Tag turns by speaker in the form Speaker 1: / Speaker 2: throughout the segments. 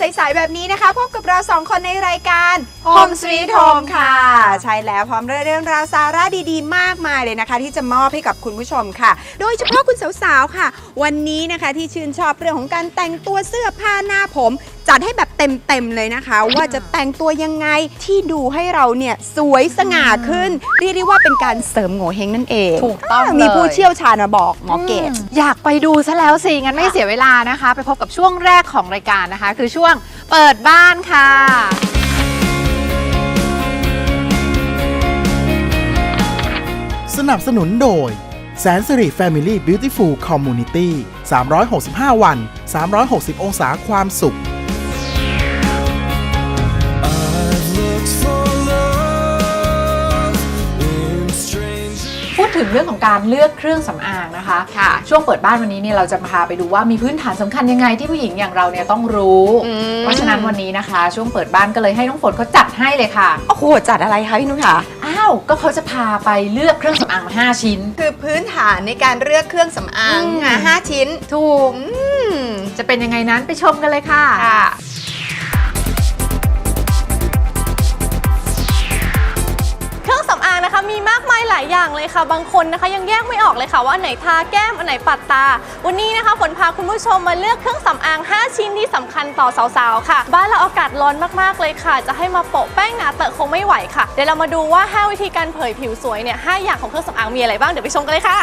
Speaker 1: สายๆแบบนี้นะคะพบกับเรา2คนในรายการ Home Sweet Home ค่ะใช่แล้วพร้อมเรื่องราวสาระดีๆมากมายเลยนะคะที่จะมอบให้กับคุณผู้ชมค่ะโดยเฉพาะคุณสาวๆค่ะวันนี้นะคะที่ชื่นชอบเรื่องของการแต่งตัวเสื้อผ้าหน้าผมจัดให้แบบเต็มเลยนะคะว่าจะแต่งตัวยังไงที่ดูให้เราเนี่ยสวยสง่าขึ้นเรียกได้ว่าเป็นการเสริมโงเ่เฮงนั่นเอง
Speaker 2: ถูกต้อง
Speaker 1: มีผู้เชี่ยวชาญมาบอกหมอเกศ
Speaker 2: อยากไปดูซะแล้วสิงั้นไม่เสียเวลานะคะไปพบกับช่วงแรกของรายการนะคะคือช่วงเปิดบ้านค่ะ
Speaker 3: สนับสนุนโดยแสนสิริ Family Beautiful Community 365 วัน 360 องศาความสุข
Speaker 2: พูดถึงเรื่องของการเลือกเครื่องสำอางนะคะค่ะช่วงเปิดบ้านวันนี้เนี่ยเราจะพาไปดูว่ามีพื้นฐานสำคัญยังไงที่ผู้หญิงอย่างเราเนี่ยต้องรู้เพราะฉะนั้นวันนี้นะคะช่วงเปิดบ้านก็เลยให้น้องฝนเขาจัดให้เลยค่ะ
Speaker 1: โอ้โหจัดอะไรคะพี่นุ้ยคะ
Speaker 2: อ้าวก็เขาจะพาไปเลือกเครื่องสำอางมา5 ชิ้น
Speaker 1: คือพื้นฐานในการเลือกเครื่องสำอาง5 ชิ้น
Speaker 2: ถูกจะเป็นยังไงนั้นไปชมกันเลยค่ะ
Speaker 4: เครื่องสำอางนะคะมีมากมายหลายอย่างเลยค่ะบางคนนะคะยังแยกไม่ออกเลยค่ะว่าอันไหนทาแก้มอันไหนปัดตาวันนี้นะคะฝนพาคุณผู้ชมมาเลือกเครื่องสำอาง5 ชิ้นที่สำคัญต่อสาวๆค่ะบ้านเราอากาศร้อนมากๆเลยค่ะจะให้มาโปะแป้งหนาเตอะคงไม่ไหวค่ะเดี๋ยวเรามาดูว่า5 วิธีการเผยผิวสวยเนี่ย5 อย่างของเครื่องสำอางมีอะไรบ้างเดี๋ยวไปชมกันเลยค่ะ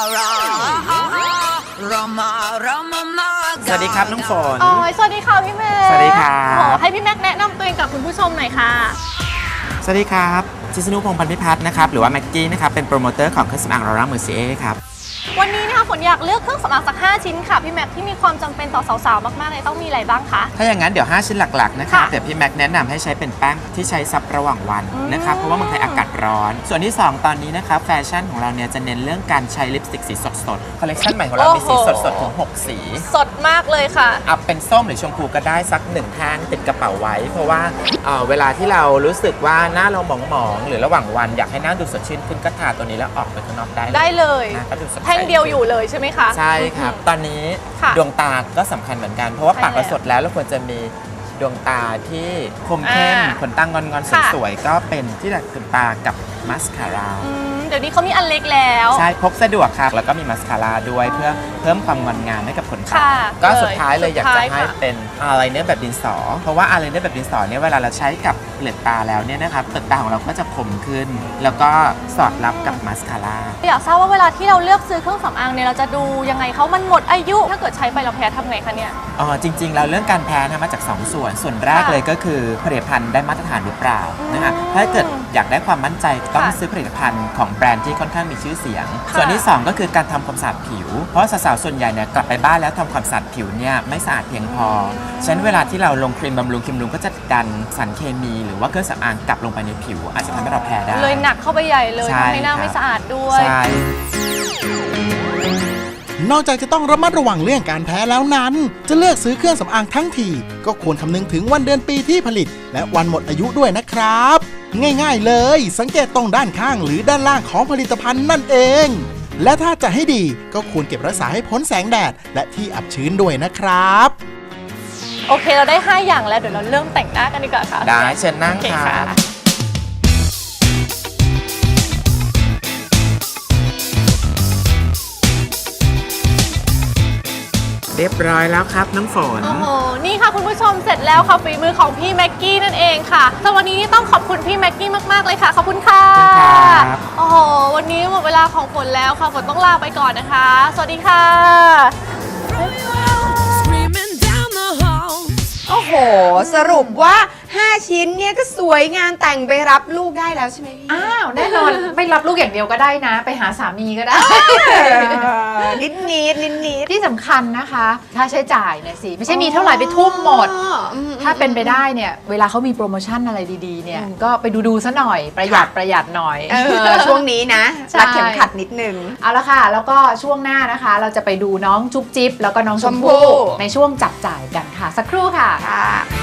Speaker 5: สวัสดีครับน้องฝน
Speaker 4: สวัสดีค่ะพี่แม็ก
Speaker 5: สวัสดีครับ
Speaker 4: ให้พี่แม็กแนะนำตัวเองกับคุณผู้ชมหน่อยค่ะ
Speaker 5: สวัสดีครับชิสนุพงษ์ พันธิพัฒน์นะครับหรือว่าแม็กกี้นะครับเป็นโปรโมเตอร์ของเครื่องสำอางลอร่าเมอร์เซียครับ
Speaker 4: วันนี้นะคะฝนอยากเลือกเครื่องสำอางสัก5 ชิ้นค่ะพี่แม็กที่มีความจำเป็นต่อสาวๆมากๆเลยต้องมีอะไรบ้างคะ
Speaker 5: ถ้าอย่างนั้นเดี๋ยว5 ชิ้นหลักๆนะครับเดี๋ยวพี่แม็กแนะนำให้ใช้เป็นแป้งที่ใช้ซับระหว่างวันนะครับเพราะว่าเมืองไทยอากาศร้อนส่วนที่2ตอนนี้นะครับแฟชั่นของเราเนี่ยจะเน้นเรื่องการใช้ลิปสติกสีสดๆคอลเลคชันใหม่ของเรามีสีสดๆถึง6 สี
Speaker 4: สดมากเลยค่ะ
Speaker 5: เอาเป็นส้มหรือชมพูก็ได้สัก1 แท่งติดกระเป๋าไว้เพราะว่าเวลาที่เรารู้สึกว่าหน้าเราหมองๆหรือระหว่างวันอยากให้หน้าดูสดชื่นขึ้นก็ทาตัวนี้แล้วออกไปข้างนอก
Speaker 4: ได้เลย
Speaker 5: ก็ดูสด
Speaker 4: แท่งเดียวอยู่เลยใช่ไหมคะ
Speaker 5: ใช่ครับตอนนี้ดวงตาก็สำคัญเหมือนกันเพราะว่าปากเราสดแล้วเราควรจะมีดวงตาที่คมเข้มขนตางอนๆสวยๆก็เป็นที่ดัดขนตากับมัสคาร่า
Speaker 4: เดี๋ยวนี้เขามีอันเล็กแล้ว
Speaker 5: ใช่พกสะดวกครับแล้วก็มีมัสคาร่าด้วยเพื่อเพิ่มความงดงามให้กับขนตาก็สุดท้ายเลยอยากจะให้เป็นอายไลเนอร์แบบดินสอเพราะว่าอายไลเนอร์แบบดินสอเนี่ยเวลาเราใช้กับเปลือกตาแล้วเนี่ยนะครับเปลือกตาของเราก็จะคมขึ้นแล้วก็สอดรับกับมัสคาร่า
Speaker 4: อยากทราบว่าเวลาที่เราเลือกซื้อเครื่องสำอางเนี่ยเราจะดูยังไงเขามันหมดอายุถ้าเกิดใช้ไปเราแพ้ทำไงคะเนี่ย
Speaker 5: จริงๆเราเรื่องการแพ้มาจาก2 ส่วนแรกเลยก็คือผลิตภัณฑ์ได้มาตรฐานหรือเปล่านะคะถ้าเกิดอยากได้ความมั่นใจต้องซื้อผลิตภัณฑ์ของแบรนด์ที่ค่อนข้างมีชื่อเสียงส่วนที่2ก็คือการทำความสะอาดผิวเพราะสาวๆส่วนใหญ่เนี่ยกลับไปบ้านแล้วทำความสะอาดผิวเนี่ยไม่สะอาดเพียงพอฉะนั้นเวลาที่เราลงครีมบำรุงก็จะดันสารเคมีหรือว่าเครื่องสำอางกลับลงไปในผิวอาจจะทำให้เราแพ้ได้
Speaker 4: เลยหนักเข้าไปใหญ่เลยทำให้หน้าไม่สะอาดด้วย
Speaker 3: นอกจากจะต้องระมัดระวังเรื่องการแพ้แล้วนั้นจะเลือกซื้อเครื่องสำอางทั้งทีก็ควรคำนึงถึงวันเดือนปีที่ผลิตและวันหมดอายุด้วยนะครับง่ายๆเลยสังเกตตรงด้านข้างหรือด้านล่างของผลิตภัณฑ์นั่นเองและถ้าจะให้ดีก็ควรเก็บรักษาให้พ้นแสงแดดและที่อับชื้นด้วยนะครับ
Speaker 4: โอเคเราได้5 อย่างแล้วเดี๋ยวเราเริ่มแต่งหน้ากันดีกว่าค่ะ
Speaker 5: ได้เชิญนั่งค่ะเรียบร้อยแล้วครับน้ำฝน
Speaker 4: โอ้โหนี่ค่ะคุณผู้ชมเสร็จแล้วค่ะฝีมือของพี่แม็กกี้นั่นเองค่ะสำหรับวันนี้ต้องขอบคุณพี่แม็กกี้มากๆเลยค่ะขอบคุณค่ะโอ้โหวันนี้หมดเวลาของฝนแล้วค่ะฝนต้องลาไปก่อนนะคะสวัสดีค่ะ
Speaker 1: โอ้โหสรุปว่า5 ชิ้นเนี่ยก็สวยงามแต่งไปรับลูกได้แล้วใช่ไหมพี่
Speaker 2: อ้าวแน่นอนไม่รับลูกอย่างเดียวก็ได้นะไปหาสามีก็ได้
Speaker 1: นิด
Speaker 2: ที่สำคัญนะคะค่าใช้จ่ายเนี่ยสิไม่ใช่มีเท่าไหร่ไปทุ่มหมดถ้าเป็นไปได้เนี่ยเวลาเขามีโปรโมชั่นอะไรดีๆเนี่ยก็ไปดูซะหน่อยประหยัดหน่อย
Speaker 1: ช่วงนี้นะรัดเข็มขัดนิดนึง
Speaker 2: เอาละค่ะแล้วก็ช่วงหน้านะคะเราจะไปดูน้องจุ๊บจิ๊บแล้วก็น้องชมพู่ในช่วงจับจ่ายกันค่ะสักครู่ค่ะ